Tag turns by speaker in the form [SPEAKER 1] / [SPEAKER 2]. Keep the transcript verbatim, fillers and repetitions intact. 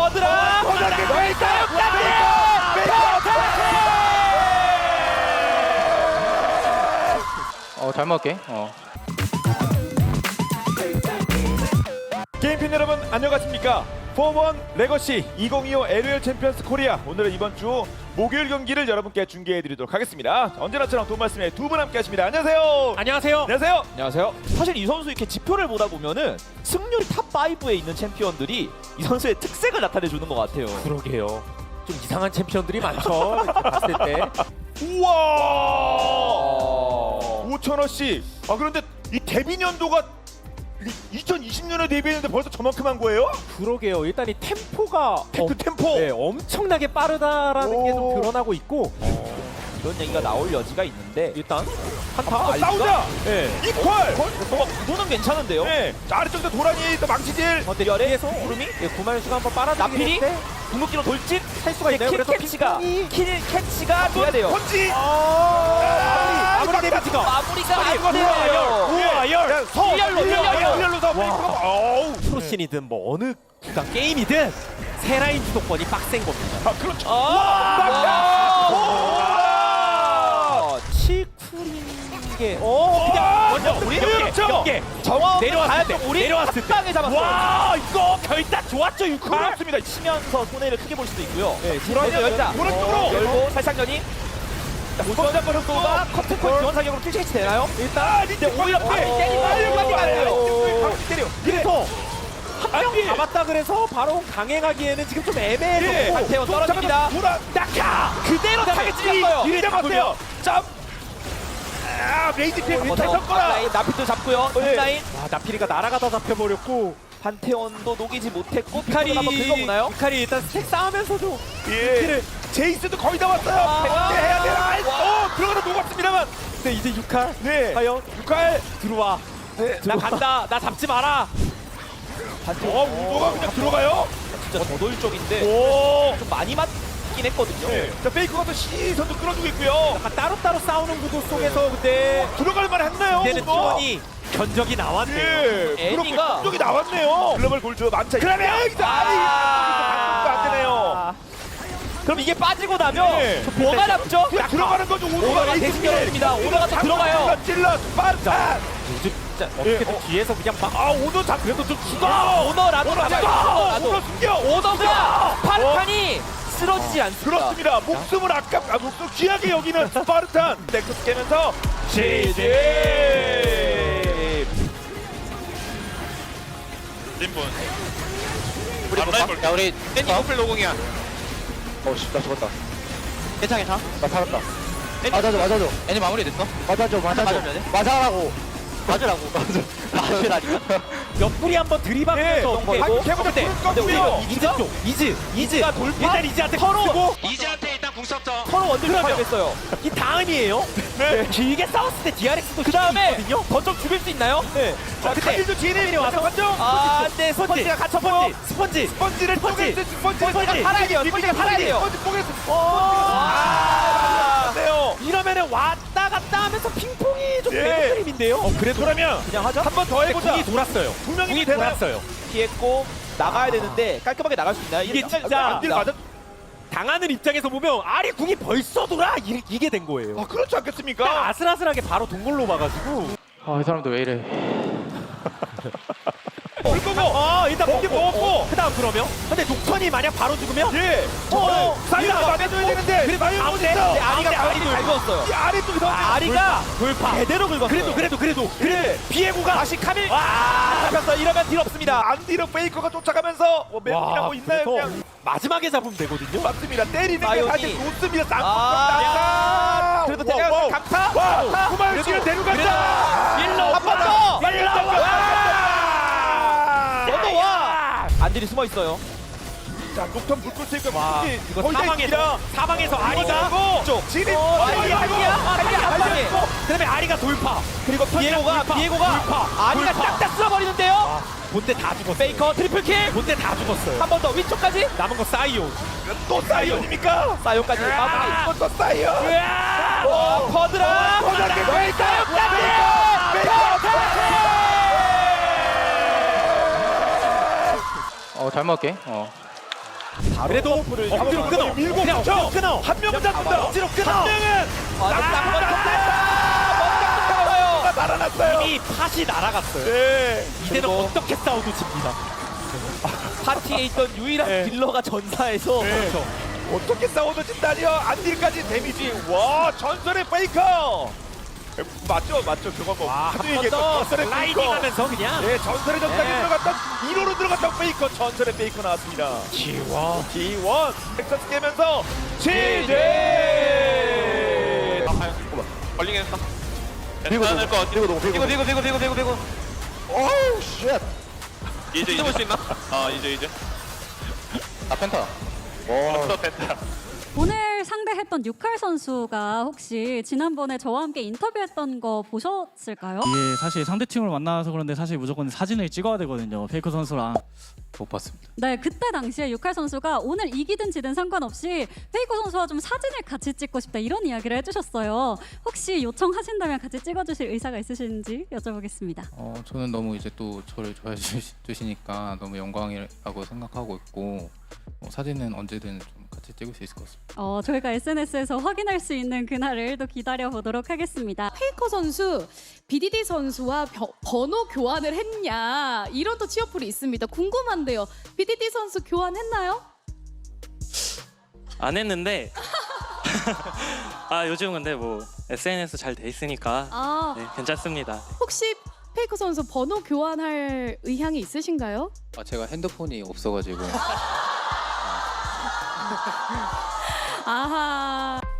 [SPEAKER 1] 버드라
[SPEAKER 2] 버드라
[SPEAKER 3] 어, 잘 먹을게. 어.
[SPEAKER 2] 게임팬 여러분 안녕하십니까? 포원 레거시 이천이십오 엘오엘 챔피언스 코리아, 오늘은 이번 주 목요일 경기를 여러분께 중계해드리도록 하겠습니다. 언제나처럼 돈 말씀에 두 분 함께 하십니다. 안녕하세요.
[SPEAKER 1] 안녕하세요.
[SPEAKER 2] 안녕하세요.
[SPEAKER 1] 안녕하세요. 사실 이 선수 이렇게 지표를 보다 보면은 승률이 탑 오에 있는 챔피언들이 이 선수의 특색을 나타내 주는 것 같아요.
[SPEAKER 4] 그러게요. 좀 이상한 챔피언들이 많죠. 이렇게 봤을 때.
[SPEAKER 2] 우와, 오천 원씩. 아 그런데 이 데뷔 년도가 이천이십 년에 데뷔했는데 벌써 저만큼 한 거예요?
[SPEAKER 4] 그러게요. 일단 이 템포가
[SPEAKER 2] 그 템포.
[SPEAKER 4] 네, 엄청나게 빠르다라는 게 좀
[SPEAKER 2] 오.
[SPEAKER 4] 드러나고 있고.
[SPEAKER 1] 이런 얘기가 나올 여지가 있는데
[SPEAKER 4] 일단
[SPEAKER 1] 한타
[SPEAKER 2] 아, 싸우자.
[SPEAKER 4] 네.
[SPEAKER 2] 이퀄.
[SPEAKER 1] 어, 구도는 괜찮은데요?
[SPEAKER 2] 네. 자, 아래쪽에서 도란이 또 망치질.
[SPEAKER 4] 어, 근데
[SPEAKER 1] 열에
[SPEAKER 4] 뒤에서
[SPEAKER 1] 구름이
[SPEAKER 4] 예, 구만수가 한번 빨아들이긴
[SPEAKER 1] 나필이
[SPEAKER 4] 했는데
[SPEAKER 1] 궁극기로 돌진
[SPEAKER 4] 할 수가 있나요?
[SPEAKER 1] 킬
[SPEAKER 4] 그래서
[SPEAKER 1] 캐치가
[SPEAKER 4] 핑퐁이-
[SPEAKER 1] 킬 캐치가 돼야 돼요.
[SPEAKER 2] 펀치.
[SPEAKER 4] 아, 마무리 마무리 데미지가.
[SPEAKER 1] 마무리가
[SPEAKER 2] 아니,
[SPEAKER 1] 안
[SPEAKER 2] 이거
[SPEAKER 1] 돼요.
[SPEAKER 4] 우와, 열.
[SPEAKER 2] 야, 서.
[SPEAKER 1] 일렬로, 일렬로.
[SPEAKER 2] 일렬로 서. 페이커가. 어우.
[SPEAKER 4] 프로신이든 뭐 어느 구간 게임이든 세 라인 주도권이 빡센 겁니다.
[SPEAKER 2] 아, 그렇죠.
[SPEAKER 1] 아,
[SPEAKER 4] 칠쿨인 게 어, 그냥 먼저 우리
[SPEAKER 2] 그렇죠.
[SPEAKER 4] 연계
[SPEAKER 1] 정원
[SPEAKER 4] 내려왔을 때
[SPEAKER 1] 우리
[SPEAKER 4] 내려왔을 때
[SPEAKER 1] 한 방에 잡았어요.
[SPEAKER 4] 와, 이거 결단 좋았죠, 유쿠.
[SPEAKER 2] 그렇습니다.
[SPEAKER 1] 치면서 손해를 크게 볼 수도 있고요.
[SPEAKER 4] 네,
[SPEAKER 1] 먼저 열자.
[SPEAKER 2] 오른쪽으로.
[SPEAKER 1] 열고 살짝 연이. 무선자 버섯도가 커튼콜 지원 사격으로 킬 캐치 되나요?
[SPEAKER 2] 일단 근데
[SPEAKER 1] 오히려 바로 때리고 하려고 하네요.
[SPEAKER 2] 바로 때려.
[SPEAKER 4] 그래서 한명 잡았다 그래서 바로 강행하기에는 지금 좀
[SPEAKER 2] 예.
[SPEAKER 4] 애매해졌고
[SPEAKER 1] 한태원 떨어집니다.
[SPEAKER 2] 돌아.
[SPEAKER 1] 낙하! 그대로 타겟 찔렀어요.
[SPEAKER 2] 이래 잡았어요. 점. 아, 레이지 피해 못할 섞어라.
[SPEAKER 1] 라인 나피도 잡고요. 라인
[SPEAKER 4] 와, 나피리가 날아가다 잡혀버렸고
[SPEAKER 1] 한태원도 녹이지 못했고
[SPEAKER 4] 이카리
[SPEAKER 1] 한번 긁어보나요?
[SPEAKER 4] 이카리 일단 스택 쌓으면서도
[SPEAKER 2] 예. 제이스도 거의 다 왔어요.
[SPEAKER 1] 아.
[SPEAKER 2] 백대 해야 되나?
[SPEAKER 1] 와.
[SPEAKER 2] 어, 들어가다 녹았습니다.
[SPEAKER 4] 근데 이제 육칼
[SPEAKER 2] 네.
[SPEAKER 4] 과연
[SPEAKER 2] 육칼.
[SPEAKER 4] 들어와.
[SPEAKER 2] 네.
[SPEAKER 4] 나 간다. 나 잡지 마라.
[SPEAKER 2] 어, 우도가 그냥 들어가요.
[SPEAKER 1] 진짜 저돌적인데
[SPEAKER 2] 오.
[SPEAKER 1] 좀 많이 맞긴 했거든요.
[SPEAKER 2] 네. 자, 페이크가 또 시선도 끌어주고 있고요.
[SPEAKER 4] 약간 따로따로 싸우는 구도 속에서 근데
[SPEAKER 2] 들어갈 만 했나요?
[SPEAKER 4] 이제는
[SPEAKER 2] 우도?
[SPEAKER 4] 티원이 견적이 나왔네요.
[SPEAKER 2] 예. 그렇게
[SPEAKER 1] 애니가-
[SPEAKER 2] 쪽이 나왔네요. 글로벌 골드 만차. 그러면
[SPEAKER 1] 아.
[SPEAKER 2] 안 되네요.
[SPEAKER 1] 그럼 이게 빠지고 나면
[SPEAKER 2] 네.
[SPEAKER 1] 뭐가 남죠?
[SPEAKER 2] 그냥 들어가는 거죠.
[SPEAKER 1] 오너가 대신 열어줍니다. 오너가 또 들어가요.
[SPEAKER 2] 찔러 스파르타.
[SPEAKER 4] 요즘 진짜 어떻게든
[SPEAKER 2] 어.
[SPEAKER 4] 뒤에서 그냥 막
[SPEAKER 2] 아, 오너 잡 그래도 좀 죽어.
[SPEAKER 1] 오너라도
[SPEAKER 2] 오너
[SPEAKER 1] 잡아요.
[SPEAKER 2] 잡아.
[SPEAKER 1] 오너라도.
[SPEAKER 2] 오너 숨겨.
[SPEAKER 1] 오너가 파르탄이 쓰러지지 않습니다.
[SPEAKER 2] 그렇습니다. 목숨을 아깝, 아, 목숨 귀하게 여기는 스파르탄. 넥서스 깨면서 지지.
[SPEAKER 5] 림분 앞라인 볼게.
[SPEAKER 3] 야, 우리
[SPEAKER 5] 땡기 호플 노공이야.
[SPEAKER 3] 어씨, 나 죽었다. 괜찮아, 괜찮아. 나 살았다. 맞아줘, 맞아줘. 애니 마무리 됐어? 맞아줘, 맞아줘.
[SPEAKER 1] 맞아줘야 돼?
[SPEAKER 3] 맞아라고. 맞으라고. 맞아. 맞으라니까.
[SPEAKER 4] 옆구리 한번 들이박으면서
[SPEAKER 2] 네. 한 개보다
[SPEAKER 4] 때
[SPEAKER 2] 뚫을 거고요.
[SPEAKER 4] 이즈 쪽 이즈 이즈가 돌파 일단 이즈한테
[SPEAKER 1] 서로
[SPEAKER 4] 쓰고
[SPEAKER 5] 이제한테 일단 궁 썼죠.
[SPEAKER 1] 서로 원딜
[SPEAKER 4] 그러면-
[SPEAKER 1] 파괴했어요.
[SPEAKER 4] 이 다음이에요.
[SPEAKER 2] 네.
[SPEAKER 4] 길게 싸웠을 때 디아렉스도
[SPEAKER 1] 그 다음에
[SPEAKER 4] 있거든요.
[SPEAKER 1] 거점 죽일 수 있나요?
[SPEAKER 4] 네.
[SPEAKER 2] 자,
[SPEAKER 4] 근데
[SPEAKER 2] 카밀도 지인이
[SPEAKER 4] 와서
[SPEAKER 2] 완전
[SPEAKER 1] 아,
[SPEAKER 4] 네, 스펀지가 갇혀보고 스펀지
[SPEAKER 2] 스펀지를
[SPEAKER 4] 스펀지.
[SPEAKER 2] 쪼개 스펀지
[SPEAKER 4] 스펀지.
[SPEAKER 1] 살아야 돼요. 스펀지가 살아야 돼요.
[SPEAKER 2] 스펀지 뽀개서
[SPEAKER 4] 아,
[SPEAKER 2] 네요.
[SPEAKER 4] 이러면은 왔다 갔다 하면서 핑퐁이 좀
[SPEAKER 2] 예.
[SPEAKER 4] 되는 그림인데요. 어, 그래도 그러면
[SPEAKER 1] 그냥 하죠.
[SPEAKER 2] 한 번 더 해보자.
[SPEAKER 4] 궁이 돌았어요.
[SPEAKER 2] 두 명이
[SPEAKER 4] 궁이
[SPEAKER 2] 되나요?
[SPEAKER 4] 돌았어요.
[SPEAKER 1] 피했고 나가야 되는데 깔끔하게 나갈 수 있나요?
[SPEAKER 4] 이게
[SPEAKER 1] 이렇게
[SPEAKER 4] 진짜
[SPEAKER 2] 안딜 맞아.
[SPEAKER 4] 당하는 입장에서 보면 아리 궁이 벌써 돌아 이, 이게 된 거예요.
[SPEAKER 2] 아, 그렇지
[SPEAKER 4] 딱
[SPEAKER 2] 않겠습니까?
[SPEAKER 4] 아슬아슬하게 바로 동굴로 봐가지고
[SPEAKER 3] 아, 이 사람도 왜 이래.
[SPEAKER 2] 올 거고.
[SPEAKER 4] 어 일단
[SPEAKER 2] 먹긴
[SPEAKER 4] 먹고
[SPEAKER 2] 먹었고.
[SPEAKER 4] 그다음 그러면 근데 녹턴이 만약 바로 죽으면
[SPEAKER 2] 예.
[SPEAKER 4] 어,
[SPEAKER 2] 사이드
[SPEAKER 4] 이거
[SPEAKER 2] 맞아줘야 되는데.
[SPEAKER 4] 그래도
[SPEAKER 2] 마이오
[SPEAKER 4] 가운데
[SPEAKER 2] 있어.
[SPEAKER 4] 네,
[SPEAKER 1] 아리가
[SPEAKER 4] 가운데
[SPEAKER 1] 아리 잘 그었어요.
[SPEAKER 2] 이 아래 쪽에서
[SPEAKER 1] 아리가
[SPEAKER 4] 돌파
[SPEAKER 1] 제대로 긁었어요.
[SPEAKER 4] 그래도 그래도 그래도 그래 비에고가
[SPEAKER 1] 다시 카밀
[SPEAKER 4] 와
[SPEAKER 1] 잡혔어. 이러면 딜 없습니다.
[SPEAKER 2] 안디로 페이커가 쫓아가면서 뭐 맵이나 뭐 있나요?
[SPEAKER 4] 그래서
[SPEAKER 2] 그냥
[SPEAKER 4] 마지막에 잡으면 되거든요.
[SPEAKER 2] 맞습니다. 때리는 게
[SPEAKER 1] 마이오니.
[SPEAKER 2] 사실 좋습니다.
[SPEAKER 1] 아,
[SPEAKER 2] 쌍꺼풀
[SPEAKER 1] 그래도
[SPEAKER 2] 쌍꺼풀.
[SPEAKER 1] 대략
[SPEAKER 2] 와우, 와우.
[SPEAKER 1] 강타.
[SPEAKER 2] 와,
[SPEAKER 1] 강타.
[SPEAKER 2] 구마유 씨를 데려간다.
[SPEAKER 1] 밀러 한 번 더.
[SPEAKER 2] 밀러 한 번.
[SPEAKER 1] 넘어와. 안딜이 숨어 있어요.
[SPEAKER 2] 자, 녹턴 불꽃 체크가
[SPEAKER 4] 와
[SPEAKER 2] 무슨
[SPEAKER 4] 이거
[SPEAKER 2] 거의 다
[SPEAKER 4] 사방에서
[SPEAKER 2] 있습니다.
[SPEAKER 4] 사방에서 아리가
[SPEAKER 2] 쪽 진입.
[SPEAKER 1] 어, 아리야, 아리야, 아리야, 한 방에.
[SPEAKER 4] 그다음에 아리가 돌파
[SPEAKER 1] 그리고 비에고가
[SPEAKER 4] 돌파,
[SPEAKER 1] 비에고가
[SPEAKER 4] 돌파,
[SPEAKER 1] 아리가
[SPEAKER 4] 돌파.
[SPEAKER 1] 딱딱 쓸어버리는데요.
[SPEAKER 4] 본대 다 죽었어.
[SPEAKER 1] 페이커 트리플 킬.
[SPEAKER 4] 본대 다 죽었어요.
[SPEAKER 1] 한 번 더 위쪽까지.
[SPEAKER 4] 남은 거 사이온.
[SPEAKER 2] 또 사이언입니까?
[SPEAKER 1] 사요까지 마무리.
[SPEAKER 2] 또 사이언.
[SPEAKER 1] 어, 퍼드라.
[SPEAKER 2] 퍼드라.
[SPEAKER 3] 어, 잘 먹을게. 어.
[SPEAKER 1] 바로
[SPEAKER 4] 그래도
[SPEAKER 1] 점프를
[SPEAKER 4] 억지로
[SPEAKER 1] 잡아서
[SPEAKER 4] 끊어.
[SPEAKER 2] 밀고
[SPEAKER 4] 그냥
[SPEAKER 2] 붙여.
[SPEAKER 4] 억지로 끊어.
[SPEAKER 2] 한 명은
[SPEAKER 1] 그냥
[SPEAKER 2] 잡는다.
[SPEAKER 4] 억지로 끊어.
[SPEAKER 2] 한 명은
[SPEAKER 1] 아, 딱
[SPEAKER 2] 아, 날아났어요.
[SPEAKER 4] 이미 팥이 날아갔어요.
[SPEAKER 2] 네.
[SPEAKER 4] 이제는
[SPEAKER 1] 그리고-
[SPEAKER 4] 어떻게 싸워도 집니다.
[SPEAKER 1] 파티에 있던 유일한
[SPEAKER 4] 네.
[SPEAKER 1] 딜러가 전사해서
[SPEAKER 2] 네.
[SPEAKER 4] 그렇죠.
[SPEAKER 2] 어떻게 싸워도 진다니요. 안딜까지 데미지. 와 전설의 페이커. 맞죠, 맞죠. 그거 뭐 하도
[SPEAKER 4] 한번
[SPEAKER 2] 얘기했던
[SPEAKER 4] 더
[SPEAKER 2] 전설의
[SPEAKER 4] 슬라이딩
[SPEAKER 2] 페이커.
[SPEAKER 4] 하면서 그냥
[SPEAKER 2] 네, 전설의 전당에
[SPEAKER 4] 네.
[SPEAKER 2] 들어갔던 일 호로 들어갔던 페이커 전설의 페이커 나왔습니다.
[SPEAKER 4] 지워.
[SPEAKER 2] 티 원 텍사스 깨면서
[SPEAKER 1] 네.
[SPEAKER 2] 지제.
[SPEAKER 5] 아, 아유, 잠깐만. 걸리긴 했어.
[SPEAKER 3] 비고
[SPEAKER 5] 괜찮을 것 같아.
[SPEAKER 3] 비고 비고
[SPEAKER 5] 비고, 비고, 비고, 비고, 비고, 비고.
[SPEAKER 3] 오우 쉣.
[SPEAKER 5] 이제, 이제 볼 수 있나? 아, 이제, 이제.
[SPEAKER 3] 아 펜타. 와.
[SPEAKER 5] 없어, 펜타.
[SPEAKER 6] 오늘 상대했던 유칼 선수가 혹시 지난번에 저와 함께 인터뷰했던 거 보셨을까요?
[SPEAKER 7] 이게 사실 상대팀을 만나서 그런데 사실 무조건 사진을 찍어야 되거든요. 페이커 선수랑.
[SPEAKER 3] 못 봤습니다.
[SPEAKER 6] 네, 그때 당시에 유칼 선수가 오늘 이기든 지든 상관없이 페이커 선수와 좀 사진을 같이 찍고 싶다 이런 이야기를 해주셨어요. 혹시 요청하신다면 같이 찍어주실 의사가 있으신지 여쭤보겠습니다.
[SPEAKER 8] 어, 저는 너무 이제 또 저를 좋아해 주시, 주시니까 너무 영광이라고 생각하고 있고 뭐 사진은 언제든 좀 같이 찍을 수 있을 것 같습니다.
[SPEAKER 6] 어, 저희가 에스엔에스에서 확인할 수 있는 그날을 또 기다려 보도록 하겠습니다.
[SPEAKER 9] 페이커 선수, 비디디 선수와 벼- 번호 교환을 했냐 이런 또 취업풀이 있습니다. 궁금한데요. 비디디 선수 교환했나요?
[SPEAKER 10] 안 했는데 아 요즘 근데 뭐 에스엔에스 잘 돼 있으니까
[SPEAKER 9] 아
[SPEAKER 10] 네, 괜찮습니다.
[SPEAKER 9] 혹시 페이커 선수 번호 교환할 의향이 있으신가요?
[SPEAKER 8] 아, 제가 핸드폰이 없어가지고
[SPEAKER 9] 아하.